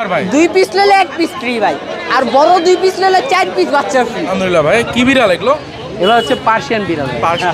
ভাই 2 পিস নিলে 1 piece free ভাই, আর বড় 2 পিস নিলে 4 পিস বাচ্চা ফ্রি। আলহামদুলিল্লাহ ভাই। কি বিড়াল এগুলো? এগুলো হচ্ছে পার্সিয়ান বিড়াল।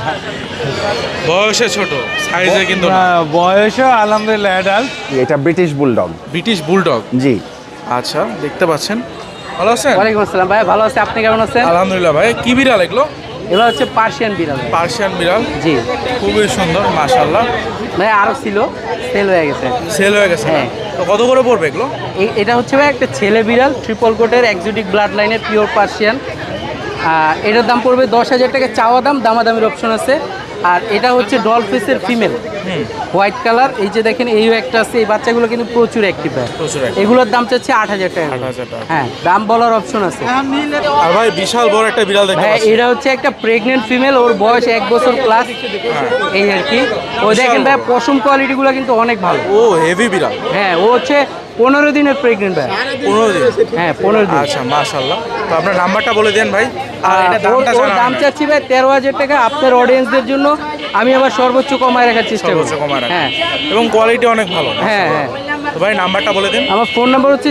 বয়সে ছোট, সাইজে কিন্তু না। বয়সে আলহামদুলিল্লাহ অ্যাডাল্ট। এটা ব্রিটিশ বুলডগ। British bulldog. জি। আচ্ছা, দেখতে পাচ্ছেন। ভালো আছেন? ওয়ালাইকুম আসসালাম ভাই, ভালো আছি, আপনি কেমন আছেন? আলহামদুলিল্লাহ ভাই। কি বিড়াল এগুলো? এগুলো হচ্ছে পার্সিয়ান বিড়াল। পার্সিয়ান বিড়াল। জি। খুবই সুন্দর, মাশাআল্লাহ। ভাই আরো ছিল, সেল হয়ে গেছে। সেল হয়ে গেছে? হ্যাঁ। তো কত করে পড়বে এগুলো? এটা হচ্ছে ভাই একটা ছেলে বিড়াল, ট্রিপল কোটের এক্সোটিক ব্লাড লাইনের পিওর পার্সিয়ান। এটার দাম পড়বে 10,000 টাকা চাওয়া দাম, দামাদামির অপশন আছে। আর এটা হচ্ছে ডলফিসের ফিমেল, হোয়াইট কালার। এই যে দেখেন, এইও একটা আছে। এই বাচ্চাগুলো কিন্তু প্রচুর অ্যাক্টিভ হয়। এগুলোর দাম চাচ্ছে 8,000 টাকা। 8,000 টাকা। হ্যাঁ, দাম বলার অপশন আছে। আর ভাই বিশাল বড় একটা বিড়াল দেখতে হ্যাঁ, পাচ্ছি। এটা হচ্ছে একটা প্রেগনেন্ট ফিমেল, ওর বয়স 1 বছর প্লাস। এই আর কি। ও দেখেন ভাই, পশম কোয়ালিটিগুলো কিন্তু অনেক ভালো। ও হেভি বিড়াল। হ্যাঁ, ও হচ্ছে 15 দিনের প্রেগনেন্ট ভাই। 15 দিন? হ্যাঁ, 15 দিন। আচ্ছা, মাশাআল্লাহ। তো আপনার নাম্বারটা বলে দেন ভাই। আর এটা দামটা ওর দাম চাচ্ছি ভাই 13,000 টাকা। আপনার অডিয়েন্সদের জন্য আমি আবার সর্বোচ্চ কমায় রাখার চেষ্টা করব। কমায় রাখেন। হ্যাঁ, এবং কোয়ালিটি অনেক ভালো। হ্যাঁ হ্যাঁ। তো ভাই নাম্বারটা বলে দিন। আমার ফোন নাম্বার হচ্ছে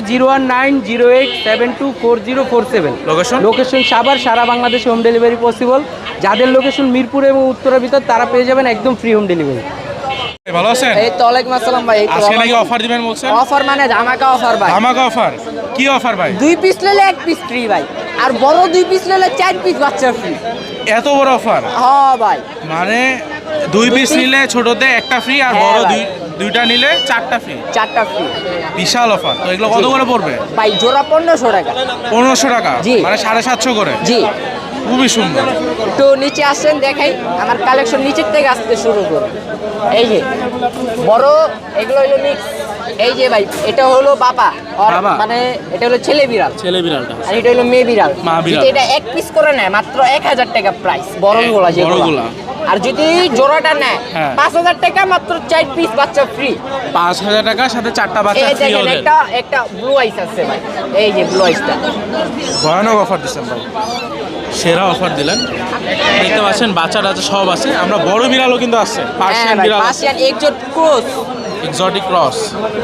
01908724047। লোকেশন? লোকেশন সাভার, সারা বাংলাদেশে হোম ডেলিভারি পসিবল। যাদের লোকেশন মিরপুর এবং উত্তরের ভিতর, তারা পেয়ে যাবেন একদম ফ্রি হোম ডেলিভারি। ভালো আছেন? এই তো ওয়ালাইকুম আসসালাম ভাই। আজকে নাকি অফার দিবেন বলছেন? অফার মানে ধামাকা অফার ভাই। ধামাকা অফার? কি অফার ভাই? 2 পিস নিলে 1 পিস ফ্রি ভাই, আর বড় 2 পিস নিলে 4 পিস বাচ্চা ফ্রি। এত বড় অফার? হ্যাঁ ভাই। মানে 2 পিস নিলে ছোটতে একটা ফ্রি, আর বড় দুইটা নিলে 4টা ফ্রি। 4টা ফ্রি। বিশাল অফার। তো এগুলো কত করে পড়বে? ভাই জোড়া 1500 টাকা। 1500 টাকা? জি। মানে 750 করে? জি। খুবই সুন্দর। একটু নিচে আসেন, দেখাই আমার কালেকশন নিচের থেকে আসতে শুরু করুন। এই যে বড়, এগুলো হলো মিক্স। এই যে ভাই, এটা হলো বাবা, বাবা? মানে এটা হলো ছেলে বিড়াল, ছেলে বিড়ালটা। আর এটা হলো মেয়ে বিড়াল। মা বিড়াল। যদি এটা 1 পিস করে নেয় মাত্র 1000 টাকা প্রাইস, বড়গুলা যেগুলো। বড়গুলা। আর যদি জোড়াটা নেয় হ্যাঁ। 5000 টাকা, মাত্র 4 পিস বাচ্চা ফ্রি। 5000 টাকার সাথে 4টা বাচ্চা এই ফ্রি দেখেন, ওদের। একটা ব্লু আইস আছে ভাই। এই যে ব্লু আইসটা ভয়ানক অফার দিচ্ছেন ভাই, সেরা অফার দিলেন। দেখতে পাচ্ছেন বাচ্চা টাচ্চা সব আছে। আমরা বড় বিড়ালও কিন্তু আছে, পার্সিয়ান বিড়াল, Persian exotic cross, exotic cross.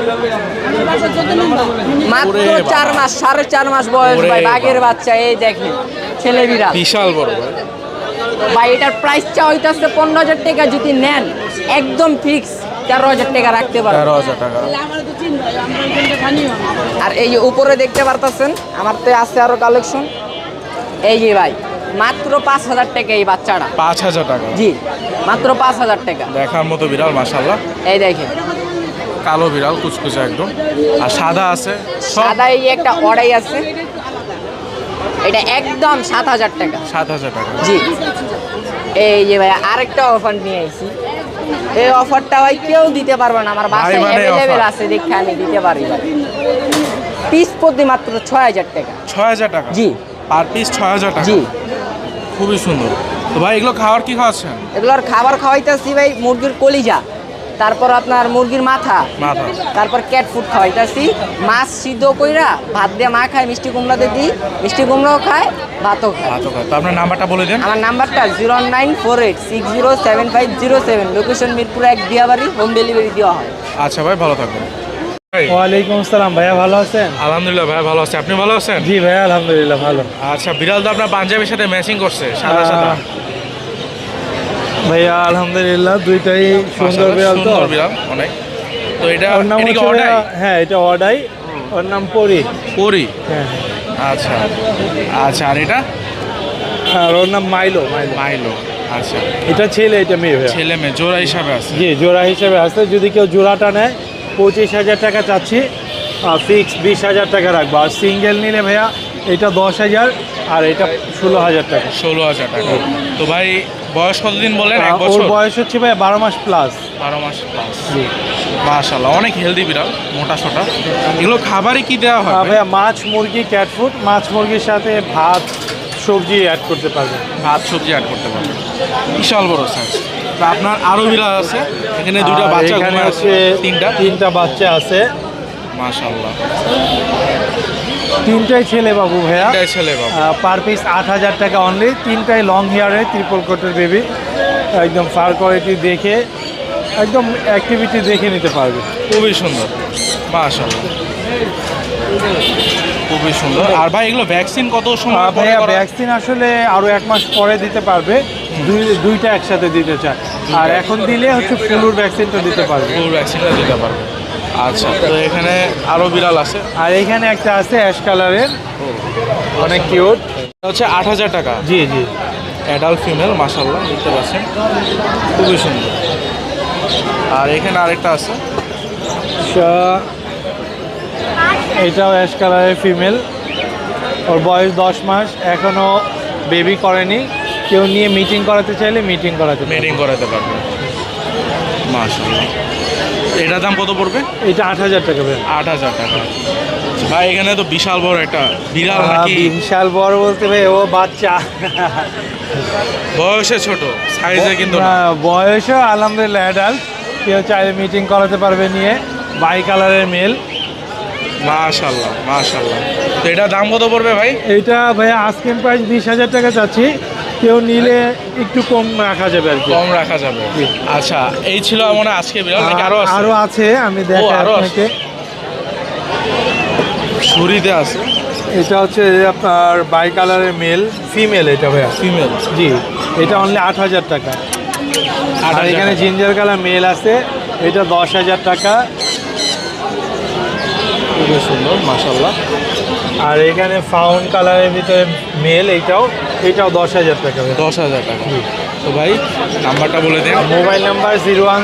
মাত্র ওরে বাবা। 4 মাস, 4.5 মাস বয়স ওরে ভাই, বাবা। বাঘের বাচ্চা। এই দেখেন, ছেলে বিড়াল বিশাল বড় ভাই। ভাই। এটার প্রাইস চা হইতাছে 15,000 টাকা। যদি নেন একদম ফিক্স 13,000 টাকা রাখতে পারেন। 13,000 টাকা। আর এই যে উপরে দেখতে পারতেছেন, আমার তো আছে আরো কালেকশন। এই যে ভাই, মাত্র 5,000 টাকা এই বাচ্চাটা। 5000 টাকা? জি, মাত্র 5,000 টাকা। দেখার মতো বিড়াল, মাশাআল্লাহ। এই দেখেন, কালো বিড়াল, কুচকুচে একদম। আর সাদা আছে সব? সাদা এই একটা অড়াই আছে, এটা একদম 7,000 টাকা। 7000 টাকা? জি। এই যে ভাই, আরেকটা অফার নিয়ে আইছি। এই অফারটা ভাই কেউ দিতে পারবে না, আমার বাসায় মানে অ্যাভেলেবেল offer। আছে, দেখে আমি দিতে পারি ভাই। পিস প্রতি মাত্র 6,000 টাকা। 6000 টাকা? জি। পার পিস 6000 টাকা? জি। খুবই সুন্দর। তো ভাই এগুলো খাওয়ার কি খাওয়াচ্ছেন? এগুলোর খাবার খাওয়াইতেছি ভাই, মুরগির কলিজা, তারপর আপনার মুরগির মাথা, মাথা। তারপর ক্যাট ফুড খাওয়াইতেছি। মাছ সিদ্ধ কইরা ভাত দিয়ে মা খায়, মিষ্টি কুমড়াতে দিই, মিষ্টি কুমড়াও খায়, ভাতও খায়। ভাতও খায়। তো আপনার নাম্বারটা বলে দেন। আমার নাম্বারটা 09486075007। Location Mirpur 1 Diabari, home delivery দেওয়া হয়। আচ্ছা ভাই, ভালো থাকবেন। ভাই ওয়ালাইকুম আসসালাম ভাইয়া, ভালো আছেন? আলহামদুলিল্লাহ ভাই, ভালো আছে। আপনি ভালো আছেন? জি ভাইয়া, আলহামদুলিল্লাহ ভালো। আচ্ছা, বিড়াল তো আপনার পাঞ্জাবির সাথে ম্যাচিং করছে, সাদা সাদা। ভাইয়া আলহামদুলিল্লাহ, দুইটাই সুন্দর বিড়াল। তো সুন্দর বিড়াল অনেক। তো এটা ওর নাম এটা কি হচ্ছে অর্ডার? ভাইয়া, হ্যাঁ এটা অর্ডাই। ওর নাম পরি। পরি? হ্যাঁ। আচ্ছা আচ্ছা। আর এটা? আর ওর নাম মাইলো। মাইলো। মাইলো। আচ্ছা, এটা ছেলে, এটা মেয়ে ভাইয়া। ছেলে মেয়ে জোড়া হিসাবে আছে? জি, জোড়া হিসেবে আছে। যদি কেউ জোড়াটা নেয় 25,000 টাকা চাচ্ছি, ফিক্স 20,000 টাকা রাখবো। আর সিঙ্গেল নিলে ভাইয়া এটা 10,000, আর এটা 16,000 টাকা। 16,000 টাকা। তো ভাই বয়স কতদিন বলেন? 1 ওর বছর? বয়স হচ্ছে ভাইয়া 12 মাস প্লাস। 12 মাস প্লাস। জি। মাশাআল্লাহ, অনেক হেলদি বিড়াল, মোটা সোটা। এগুলো খাবারে কি দেওয়া হয় ভাই? ভাইয়া মাছ, মুরগি, ক্যাট ফুড। মাছ মুরগির সাথে ভাত, সবজি অ্যাড করতে পারবেন। ভাত সবজি অ্যাড করতে পারবেন। বিশাল বড় সাইজ। তো আপনার আরো বিড়াল আছে এখানে? দুটো আর বাচ্চা এখানে ঘুমায় আছে? হচ্ছে তিনটা? তিনটা বাচ্চা আছে। মাশাআল্লাহ। তিনটাই ছেলে বাবু ভাইয়া। তিনটাই ছেলে বাবু। পার পিস 8,000 টাকা অনলি। তিনটাই লং হেয়ারে, ট্রিপল কোটের বেবি। একদম ফার কোয়ালিটি দেখে, একদম অ্যাক্টিভিটি দেখে নিতে পারবে। খুবই সুন্দর, মাশাআল্লাহ। খুবই সুন্দর। আর ভাই এগুলো ভ্যাকসিন কত সময় পরে ভাইয়া করা? ভ্যাকসিন আসলে আরো 1 মাস পরে দিতে পারবে, দুইটা একসাথে দিতে চায়। আর এখন দিলে হচ্ছে ফ্লুর ভ্যাকসিনটা দিতে পারবে। ফ্লুর ভ্যাকসিনটা দিতে পারবে। আচ্ছা, তো এখানে আরো বিড়াল আছে। আর এখানে একটা আছে অ্যাশ কালারের, অনেক কিউট। এটা হচ্ছে 8,000 টাকা। জি জি। অ্যাডাল্ট ফিমেল, মাশাআল্লাহ দেখতে পাচ্ছেন খুবই সুন্দর। আর এখানে আরেকটা আছে, এটাও অ্যাশ কালারের ফিমেল, ওর বয়স 10 মাস, এখনো বেবি করেনি। কেউ নিয়ে মিটিং করাতে চাইলে মিটিং করাতে পারবে। মিটিং করাতে পারবে। মাশাআল্লাহ। এটার দাম কত পড়বে? এটা 8,000 টাকা ভাই। 8,000 টাকা। ভাই এখানে তো বিশাল বড় একটা বিড়াল নাকি? বিশাল বড় বলতে ভাই ও বাচ্চা, বয়সে ছোট, সাইজে কিন্তু না। বয়সও আলহামদুলিল্লাহ অ্যাডাল্ট। কেউ চাইলে মিটিং করাতে পারবে নিয়ে। বাই কালারের মেল। মাশাআল্লাহ মাশাআল্লাহ। তো এটার দাম কত পড়বে ভাই? এইটা ভাইয়া আস্কিং প্রাইস 20,000 টাকা চাচ্ছি, কেউ নিলে একটু কম রাখা যাবে আর কি। কম রাখা যাবে। আচ্ছা, এই ছিল মনে হয় আজকে বিড়াল, নাকি আরো আছে? আরো আছে, আমি দেখাই আরো আছে। আপনাকে। ছুরিতে আছে। এটা হচ্ছে আপনার বাই কালারের মেল, ফিমেল এটা ভাইয়া। ফিমেল। জি, এটা অনলি 8,000 টাকা। আর 8,000 এখানে টাকা। জিঞ্জার কালার মেল আছে, এটা 10,000 টাকা। খুবই সুন্দর, মাশাআল্লাহ। আর এখানে ফাউন্ড কালারের ভিতরে মেল, এটাও 10,000 টাকা। 10,000 টাকা। তো ভাই নাম্বারটা বলে দিন। Mobile number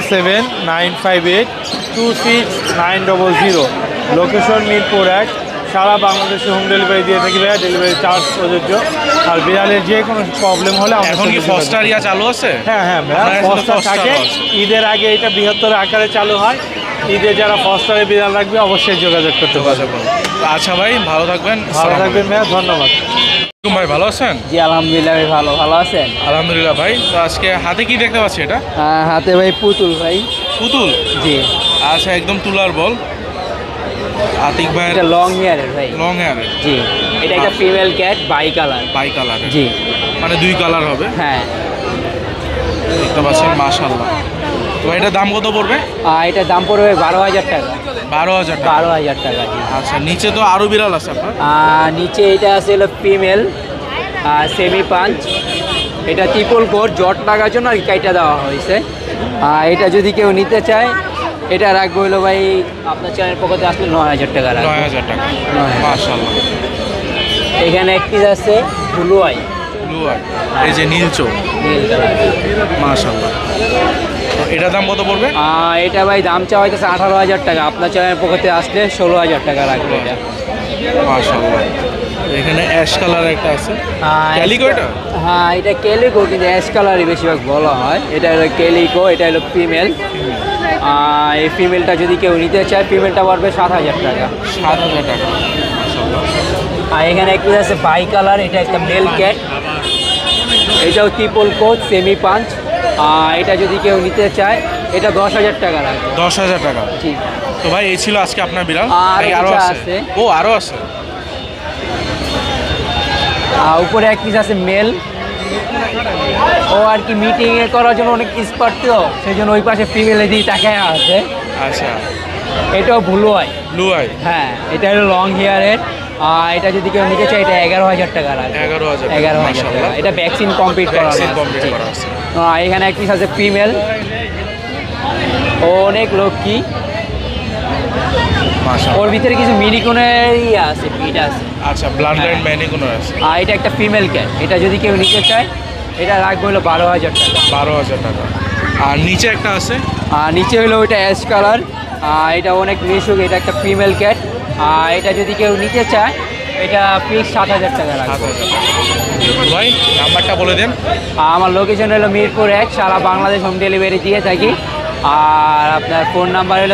017-958-26900। লোকেশন মিরপুর 1। সারা বাংলাদেশে হোম ডেলিভারি দিয়ে থাকি ভাইয়া, ডেলিভারি চার্জ প্রযোজ্য। আর বিড়ালের যে কোনো প্রবলেম হলে আমাদের এখন কি সাথে যোগাযোগ ফস্টার ইয়া চালু আছে? হ্যাঁ হ্যাঁ ভাইয়া, আপনার কাছে তো ফস্টার ফস্টারও থাকে। আছে। ঈদের আগে এটা বৃহত্তর আকারে চালু হয়। ঈদে যারা ফস্টারে বিড়াল রাখবে অবশ্যই যোগাযোগ করতে পারবে। যোগাযোগ করুন। আচ্ছা ভাই, ভালো থাকবেন। ভালো থাকবেন ভাইয়া, ধন্যবাদ। আসসালামু আলাইকুম। ভাই ভালো আছেন? জি আলহামদুলিল্লাহ ভাই, ভালো আছেন? আলহামদুলিল্লাহ ভাই। তো আজকে হাতে কি দেখতে পাচ্ছি? এটা হাতে ভাই পুতুল ভাই। পুতুল? জি। আচ্ছা, একদম তুলার বল। আতিক ভাই এটা লং হেয়ারের ভাই। লং হেয়ারের। জি। এটা একটা female cat, bicolour. Bicolour. জি। মানে 2 কালার হবে। হ্যাঁ। দেখতে পাচ্ছেন, মাশাআল্লাহ। তো এটার দাম কত পড়বে? এটার দাম পড়বে 12,000 টাকা। 12,000 টাকা। 12,000 টাকা। জি। আচ্ছা, নিচে তো আরো বিড়াল আছে আপনার? নিচে এটা আছে হলো ফিমেল, সেমি পাঞ্চ। এটা ট্রিপল কোট, জট লাগার জন্য আর কি কাইটা দেওয়া হয়েছে। এটা যদি কেউ নিতে চায়, এটা রাখবো হলো ভাই আপনার চ্যানেল পক্ষে আসলে 9,000 টাকা রাখবো। 9,000 টাকা। 9,000। মাশাআল্লাহ। এখানে একটি আছে ব্লু আই, ব্লু আই, এই যে নীল চোখ। নীল কালার। মাশাআল্লাহ। তো এটার দাম কত পড়বে? এটা ভাই দাম চাওয়া হইতেছে 18,000 টাকা। আপনার চ্যানেল পক্ষে আসলে 16,000 টাকা রাখবো এটা। মাশাআল্লাহ। এখানে অ্যাশ কালার একটা আছে। ক্যালিকো এটা? হ্যাঁ, এটা ক্যালিকো, কিন্তু অ্যাশ কালারই বেশিরভাগ বলা হয়। এটা হলো ক্যালিকো, এটা হলো ফিমেল। এই ফিমেলটা যদি কেউ নিতে চায়, ফিমেলটা পড়বে 7,000 টাকা। 7,000 টাকা। মাশাআল্লাহ। আর এখানে একটু আছে বাই কালার, এটা একটা মেল ক্যাট। এটাও ট্রিপল কোট, সেমি পাঞ্চ। এটা যদি কেউ নিতে চায়, এটা 10,000 টাকা লাগবে। 10,000 টাকা। জি। তো ভাই এই ছিল আজকে আপনার বিড়াল? আর নাকি আরো কিছু আছে? আছে। ও আরো আছে। উপরে এক পিস আছে মেল। ও আর কি মিটিং এ করার জন্য অনেক এক্সপার্ট, তো সেই জন্য ওই পাশে ফিমেল দিয়ে তাকায় আছে। আচ্ছা, এটাও ব্লু আই। Blue eye. হ্যাঁ, এটা হলো লং হেয়ারের। এটা যদি কেউ নিতে চায়, এটা 11,000 টাকা লাগবে। 11,000 11,000 টাকা। এটা ভ্যাকসিন কমপ্লিট করা আছে। কমপ্লিট করা আছে। এখানে এক পিস আছে ফিমেল, ও অনেক লক্ষ্মী। মাশাআল্লাহ। ওর ভিতরে কিছু মিনিকুনের আছে, পিট আছে। আচ্ছা, ব্লাড লাইন হ্যাঁ। ম্যানিকুনো আছে। এটা একটা ফিমেল ক্যাট। এটা যদি কেউ নিতে চায়, এটা রাখবো হলো 12,000 টাকা। 12,000 টাকা। আর নিচে একটা আছে। নিচে হলো ওইটা অ্যাশ কালার। এটা অনেক মিশুক, এটা একটা ফিমেল ক্যাট। এটা যদি কেউ নিতে চায়, এটা ফিক্স 7,000 টাকা রাখবো। 7,000 টাকা। ভাই নাম্বারটা বলে দেন। আমার লোকেশন হলো মিরপুর 1। সারা বাংলাদেশ হোম ডেলিভারি দিয়ে থাকি। আর আপনার ফোন নাম্বার হলো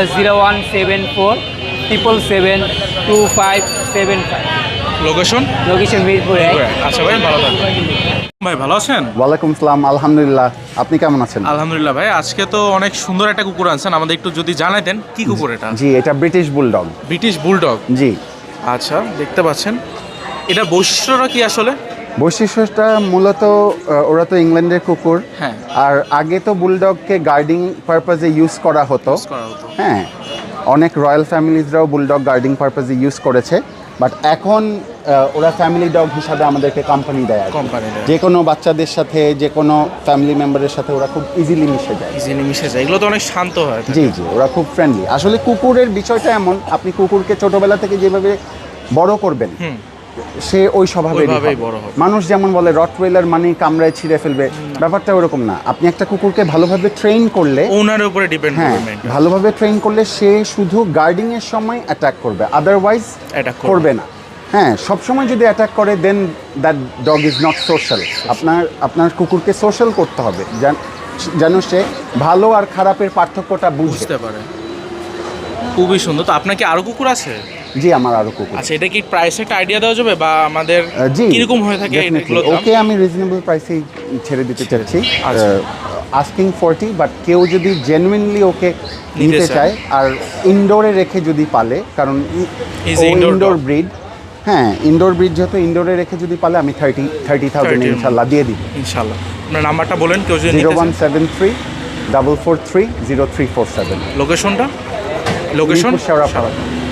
0174772575। লোকেশন? লোকেশন মিরপুর 1। আচ্ছা ভাই, ভালো থাকবেন। ভাই ভালো আছেন? ওয়ালাইকুম আসসালাম, আলহামদুলিল্লাহ। আপনি কেমন আছেন? আলহামদুলিল্লাহ ভাই। আজকে তো অনেক সুন্দর একটা কুকুর আনছেন, আমাদের একটু যদি জানাইতেন কি কুকুর এটা? জি, এটা ব্রিটিশ বুলডগ। British bulldog. জি। আচ্ছা, দেখতে পাচ্ছেন। এটা বৈশিষ্ট্যটা কি আসলে? বৈশিষ্ট্যটা মূলত ওরা তো ইংল্যান্ডের কুকুর। হ্যাঁ। আর আগে তো বুলডগকে গার্ডিং পারপাজে ইউজ করা হতো। করা হতো। হ্যাঁ। অনেক রয়্যাল ফ্যামিলিজরাও বুলডগ গার্ডিং পারপাসে ইউজ করেছে, বাট এখন ওরা ফ্যামিলি ডগ হিসাবে আমাদেরকে কোম্পানি দেয় আর কি। কোম্পানি দেয়। যে কোনো বাচ্চাদের সাথে, যে কোনো ফ্যামিলি মেম্বারের সাথে ওরা খুব ইজিলি মিশে যায়। ইজিলি মিশে যায়, এগুলো তো অনেক শান্ত হয়। জি জি, ওরা খুব ফ্রেন্ডলি। আসলে কুকুরের বিষয়টা এমন, আপনি কুকুরকে ছোটবেলা থেকে যেভাবে বড় করবেন সে ওই স্বভাবেরই ওইভাবেই হবে। বড় হবে। মানুষ যেমন বলে রটওয়েলার মানে কামড়ায় ছিঁড়ে ফেলবে, ব্যাপারটা ওরকম না। আপনি একটা কুকুরকে ভালোভাবে ট্রেন করলে, ওনারের উপরে ডিপেন্ড হ্যাঁ করবে মেইনটা। ভালোভাবে ট্রেন করলে সে শুধু গার্ডিং এর সময় অ্যাটাক করবে, আদারওয়াইজ Attack করবে করবে না। হ্যাঁ, সবসময় যদি অ্যাটাক করে then that dog is not social. আপনার কুকুরকে সোশ্যাল করতে হবে, যেন সে ভালো আর খারাপের পার্থক্যটা বুঝতে। বুঝতে পারে। খুবই সুন্দর। তো আপনার কি আরো কুকুর আছে? জি, আমার আরো কুকুর। আচ্ছা, এটা কি প্রাইস একটা আইডিয়া দেওয়া যাবে বা আমাদের জি, কিরকম হয়ে থাকে definitely। এগুলোর দাম? ওকে আমি রিজনেবল প্রাইসেই ছেড়ে দিতে চাচ্ছি। আচ্ছা। আস্কিং 40, বাট কেউ যদি জেনুইনলি ওকে নিতে নিতে চায়। চায় আর ইনডোরে রেখে যদি পালে, কারণ Is indoor indoor dog। Breed, হ্যাঁ ইনডোর ব্রিড যেহেতু, ইনডোরে রেখে যদি পালে আমি 30,000 30 ইনশাল্লাহ দিয়ে দিব। ইনশাআল্লাহ। আপনার নাম্বারটা বলেন, কেউ যদি নিতে চায়। 0173 443 0347। লোকেশনটা? লোকেশন শেওড়াপাড়া।